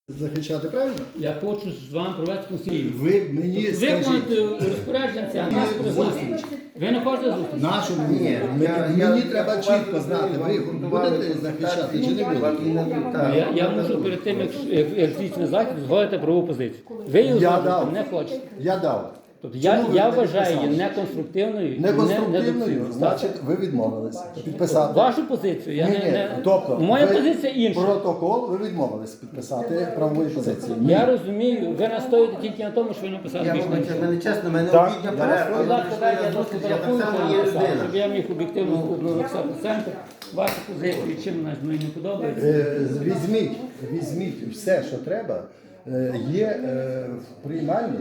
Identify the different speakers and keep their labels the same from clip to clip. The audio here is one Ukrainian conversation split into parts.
Speaker 1: захищати, правильно?
Speaker 2: Я хочу з вами провести консилію.
Speaker 1: Ви мені скажіть.
Speaker 2: Виконати розпорядження, це нас призначить. Ви не хочете зустріч?
Speaker 1: Нашу мені. Мені треба чітко знати, ви будете захищати чи не будете?
Speaker 2: Я можу перед тим, як слідчий захід, згодити правову позицію. Ви її узгодити не хочете.
Speaker 1: Я дав.
Speaker 2: Тобто я вважаю її неконструктивною,
Speaker 1: Неконструктивною, значить, ви відмовилися підписати.
Speaker 2: Вашу позицію я не...
Speaker 1: Тобто,
Speaker 2: Моя
Speaker 1: ви
Speaker 2: позиція інша.
Speaker 1: Протокол ви відмовилися підписати правової позиції.
Speaker 2: Я розумію, ви настоїте тільки на тому, що ви написали більш менше.
Speaker 3: Мене чесно, мене
Speaker 1: Так.
Speaker 3: обідня
Speaker 2: Будь
Speaker 3: перерва.
Speaker 2: ласка, дайте я досить
Speaker 3: Я так
Speaker 2: порахую,
Speaker 3: само є людина.
Speaker 2: щоб я міг об'єктивно написати центр. Вашу позицію, чим вона мені не подобається.
Speaker 1: Візьміть все, що треба. Є в приймальні.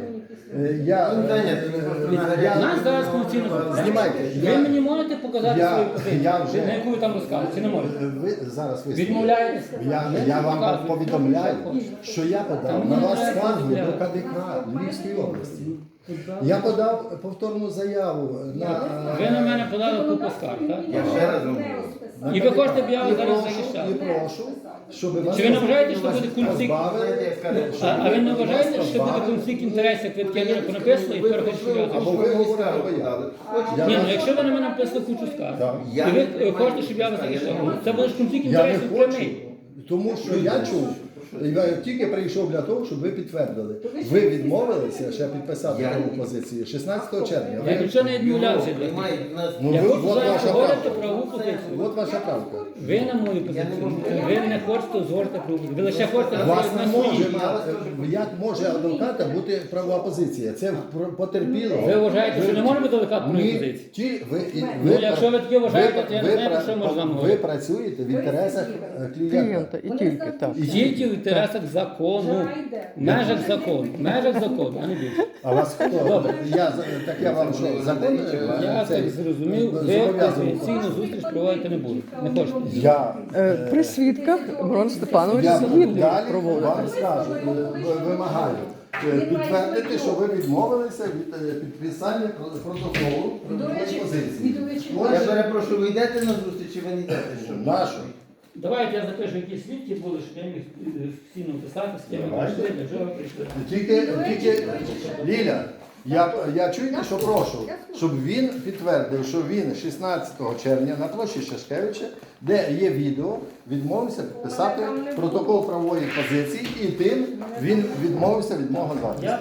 Speaker 2: Нас зараз конституційно.
Speaker 1: Знімайте.
Speaker 2: Ви мені можете показати свою позицію,
Speaker 1: я вже-
Speaker 2: на яку ви там розказуєте, чи не можете?
Speaker 1: Ви зараз висловите.
Speaker 2: Відмовляєтесь?
Speaker 1: Я вам повідомляю, що я подав на вас скаргу до КДК Львівської області. Я подав повторну заяву на
Speaker 2: Ви на мене подали купу скарг, так?
Speaker 3: Я ще раз говорю.
Speaker 2: І ви хочете, щоб я
Speaker 1: І
Speaker 2: вас зараз
Speaker 1: прошу,
Speaker 2: захищав?
Speaker 1: І прошу, щоб вас
Speaker 2: Чи ви не вважаєте, що буде конфлікт?
Speaker 1: позбавили,
Speaker 2: А ви не вважаєте, що буде конфлікт інтересів, як ви таке понаписали, і тепер хочете
Speaker 1: або
Speaker 2: зв'язати?
Speaker 1: ви говорите, або я.
Speaker 2: Ні, ну якщо ви на мене написали кучу скарг,
Speaker 1: Так.
Speaker 2: і ви хочете, щоб я вас захищав, це буде ж конфлікт
Speaker 1: Я не
Speaker 2: інтересів
Speaker 1: хочу,
Speaker 2: прямий.
Speaker 1: тому що я чув, я тільки прийшов для того, щоб ви підтвердили. Ви відмовилися ще підписати праву позицію 16 червня.
Speaker 2: Я
Speaker 1: Ви-
Speaker 2: нічого не відмовлявся для того.
Speaker 1: Ну,
Speaker 2: Я
Speaker 1: ви-
Speaker 2: хочу
Speaker 1: от
Speaker 2: зараз
Speaker 1: ваша
Speaker 2: говорити
Speaker 1: правка.
Speaker 2: правову позицію.
Speaker 1: От ваша правка.
Speaker 2: Ви на мою позицію, ви не хочете узгодити правову позицію. Ви лише хочете
Speaker 1: У вас
Speaker 2: говорити
Speaker 1: не
Speaker 2: на
Speaker 1: може
Speaker 2: свої.
Speaker 1: мати, як може адвоката бути правова позиція? Це потерпіло.
Speaker 2: Ви вважаєте, що не може бути адвокат правової
Speaker 1: Ні,
Speaker 2: позиції?
Speaker 1: ви,
Speaker 2: якщо ви таке вважаєте, то я не
Speaker 1: ви
Speaker 2: знаю, про що можна
Speaker 1: ви
Speaker 2: говорити.
Speaker 1: працюєте в інтересах клієнта.
Speaker 4: І тільки так.
Speaker 2: Тільки в інтересах закону, в межах закону, а не більше.
Speaker 1: А вас хто?
Speaker 2: Добре.
Speaker 1: Так я вам що, закон?
Speaker 2: Я так зрозумів, ви конфіденційну зустріч проводити не будете. Не хочете.
Speaker 1: Я
Speaker 4: При свідках Мирон Степанович
Speaker 1: Я
Speaker 4: згідний
Speaker 1: далі
Speaker 4: проводити.
Speaker 1: вам скажу, вимагаю підтвердити, що ви відмовилися від підписання протоколу позиції.
Speaker 3: Я перепрошую, ви йдете на зустріч чи ви не йдете? Що?
Speaker 1: Нашу.
Speaker 2: Давайте я запишу, які свідки були, щоб я міг всі написати, з ким ви прийшли, для чого ви прийшли.
Speaker 1: Тільки Ліля, я чуєте, що прошу, щоб він підтвердив, що він 16 червня на площі Шашкевича, де є відео, відмовився підписати протокол правової позиції, і тим він відмовився від мого захисту.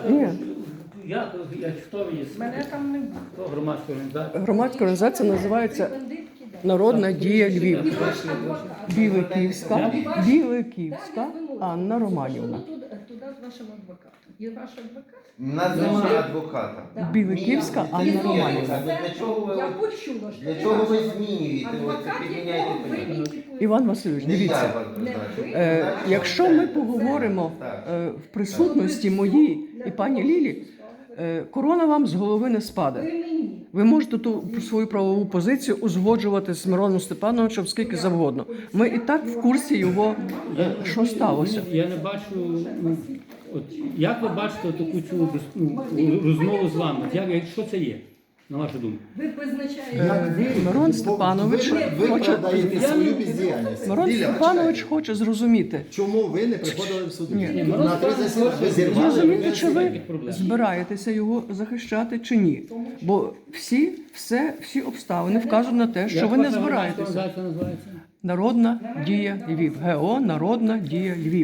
Speaker 2: Хто ви є?
Speaker 5: Мене там не було.
Speaker 2: Хто громадська організація?
Speaker 4: Громадська організація називається Народна дія Львів. Біликівська Анна Романівна.
Speaker 5: Туди з вашим адвокатом. Є ваш адвокат?
Speaker 3: У нас немає адвоката.
Speaker 4: Біликівська Анна Романівна.
Speaker 3: Для чого ви-
Speaker 5: Я почула, що
Speaker 3: Для чого ви змінюєте?
Speaker 5: адвокат,
Speaker 3: Оце
Speaker 5: якого ви
Speaker 3: підміняєте.
Speaker 5: ідентифікуєте.
Speaker 4: Іван Васильович,
Speaker 3: Не я
Speaker 4: дивіться.
Speaker 3: вас призначив.
Speaker 4: Якщо ми поговоримо в присутності моїй і пані Лілі, корона вам з голови не спаде.
Speaker 5: Ви мені.
Speaker 4: Ви можете ту свою правову позицію узгоджувати з Мироном Степановичем скільки завгодно. Ми і так в курсі його, що сталося.
Speaker 2: Я не бачу, от, як ви бачите таку цю розмову з вами? Що це є, на вашу думку?
Speaker 5: Ви призначаєте.
Speaker 4: Мирон Степанович
Speaker 1: ви
Speaker 4: хоче-
Speaker 1: продаєте свою бездіяльність.
Speaker 4: Мирон
Speaker 1: Ліля,
Speaker 4: Степанович
Speaker 1: почекайте.
Speaker 4: хоче зрозуміти,
Speaker 1: Чому ви не приходили в суд?
Speaker 4: Ні.
Speaker 1: На три засідання ви зірвали.
Speaker 4: зрозуміти, чи ви
Speaker 2: Ніяких проблем.
Speaker 4: збираєтеся його захищати чи ні. Бо всі обставини вказують на те, що
Speaker 2: Як
Speaker 4: ви не
Speaker 2: ваша громадська
Speaker 4: збираєтеся.
Speaker 2: організація називається?
Speaker 4: Народна дія Львів. ГО Народна дія Львів.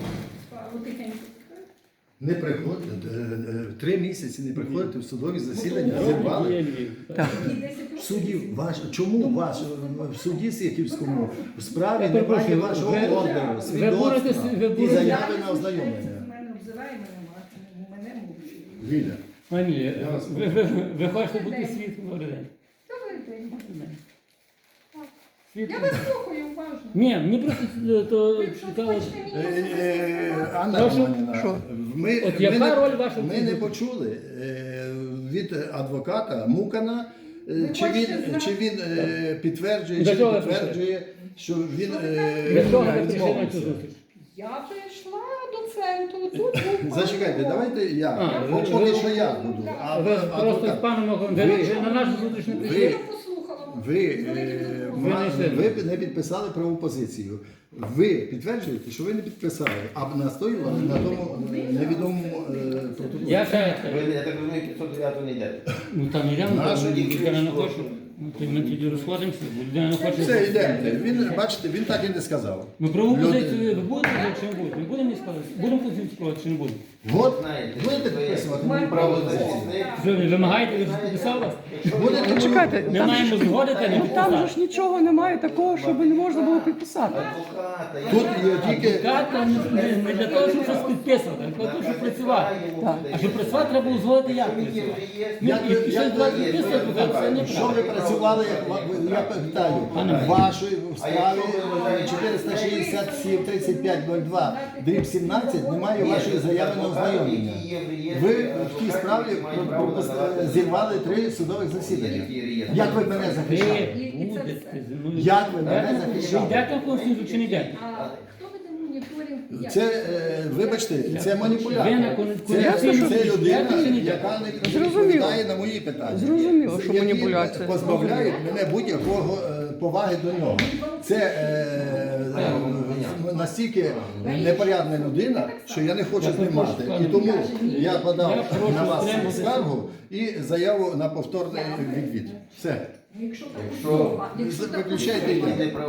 Speaker 1: Не приходите, 3 місяці не приходите в судові засідання, зірвали.
Speaker 2: Є Львів.
Speaker 4: Так.
Speaker 1: В суді чому в суді Сихівському в справі
Speaker 2: Я
Speaker 1: немає
Speaker 2: перепрошую,
Speaker 1: вашого
Speaker 2: ви
Speaker 1: ордеру,
Speaker 2: будете-
Speaker 1: свідоцтва
Speaker 2: ви
Speaker 1: і
Speaker 2: будете-
Speaker 1: заяви на ознайомлення?
Speaker 5: Мене обзиває, мене мовчить.
Speaker 1: Ліля,
Speaker 2: Пані, ви хочете бути свідком добрий день?
Speaker 5: Добрий день. Я
Speaker 2: Свідком?
Speaker 5: вас слухаю уважно.
Speaker 2: Ні, мені просто то
Speaker 5: Якщо
Speaker 2: цікаво.
Speaker 5: хочете мені
Speaker 1: Анна
Speaker 2: Прошу?
Speaker 1: Романівна,
Speaker 4: Що?
Speaker 2: От яка роль ваша в
Speaker 1: ми
Speaker 2: цій
Speaker 1: не
Speaker 2: зустрічі?
Speaker 1: почули від адвоката Мукана, чи він підтверджує,
Speaker 2: До
Speaker 1: чи
Speaker 2: чого
Speaker 1: не
Speaker 2: ви
Speaker 1: підтверджує, що він
Speaker 2: Для чого ви прийшли на цю
Speaker 1: відмовився.
Speaker 2: зустріч?
Speaker 5: Я прийшла до центру, тут був
Speaker 1: Зачекайте, давайте я. Поки що я буду. А
Speaker 2: Ви просто з
Speaker 1: адвокат.
Speaker 2: паном ви на нашу зустріч не прийшли?
Speaker 5: Я послухала
Speaker 1: ви не підписали праву позицію. Ви підтверджуєте, що ви не підписали, а настоювали на тому невідомому протоколі.
Speaker 2: Я ще раз кажу,
Speaker 3: Ви, я так розумію, 509 не йдете.
Speaker 2: ну там йдемо,
Speaker 1: Наша
Speaker 2: людина не хоче. Ну, то ми тоді розходимося, бо людина не хоче.
Speaker 1: Все, йдемо. Він, бачите, він так і не сказав.
Speaker 2: Ми правову
Speaker 1: Люди-
Speaker 2: позицію ви будете чи не будете? Ми будемо сказати, будемо позицію складати чи не будемо?
Speaker 1: От,
Speaker 3: Знаєте,
Speaker 1: будете
Speaker 3: ви-
Speaker 1: підписувати мені праву позицію?
Speaker 2: Що ви вимагаєте, ви ж підписали вас?
Speaker 1: Будете
Speaker 4: Чекайте,
Speaker 2: Ми
Speaker 4: там,
Speaker 2: маємо згодити, не
Speaker 4: там же
Speaker 2: підписати.
Speaker 4: ж нічого немає такого, щоб не можна було підписати.
Speaker 3: Адвоката,
Speaker 1: Тут є тільки...
Speaker 2: Карта не для того, щоб щось підписувати, а для того, щоб працювати.
Speaker 4: Так.
Speaker 2: А щоб працювати, треба узгодити, як працювати. Ну,
Speaker 1: Як ви-
Speaker 2: і щось
Speaker 1: як ви-
Speaker 2: давати підписувати, це не
Speaker 1: Що ви працювали, я питаю, в вашій справі 467 3502 дріб 17 немає вашої заяви на ознайомлення. Ви в тій справі зірвали 3 судових засідання. Як ви мене захищали?
Speaker 2: Ви будете зі мною.
Speaker 1: Як ви мене
Speaker 2: Ви
Speaker 1: захищали?
Speaker 2: йдете в Конституцію чи не йдете?
Speaker 5: А хто веде моніторинг? Як?
Speaker 1: Це, вибачте, це маніпулятор.
Speaker 2: Ви на конституційну
Speaker 1: Це людина,
Speaker 2: комісію
Speaker 1: яка не
Speaker 4: Зрозуміло.
Speaker 1: відповідає на мої питання.
Speaker 4: Зрозуміло, що
Speaker 1: Які
Speaker 4: маніпуляція.
Speaker 1: позбавляють мене будь-якого поваги до нього. Це настільки непорядна людина, що я не хочу з ним мати. І тому я подав на вас скаргу і заяву на повторний відвід. Все.
Speaker 5: Якщо так,
Speaker 3: Якщо-
Speaker 5: якщо так,
Speaker 1: Виключайте йде.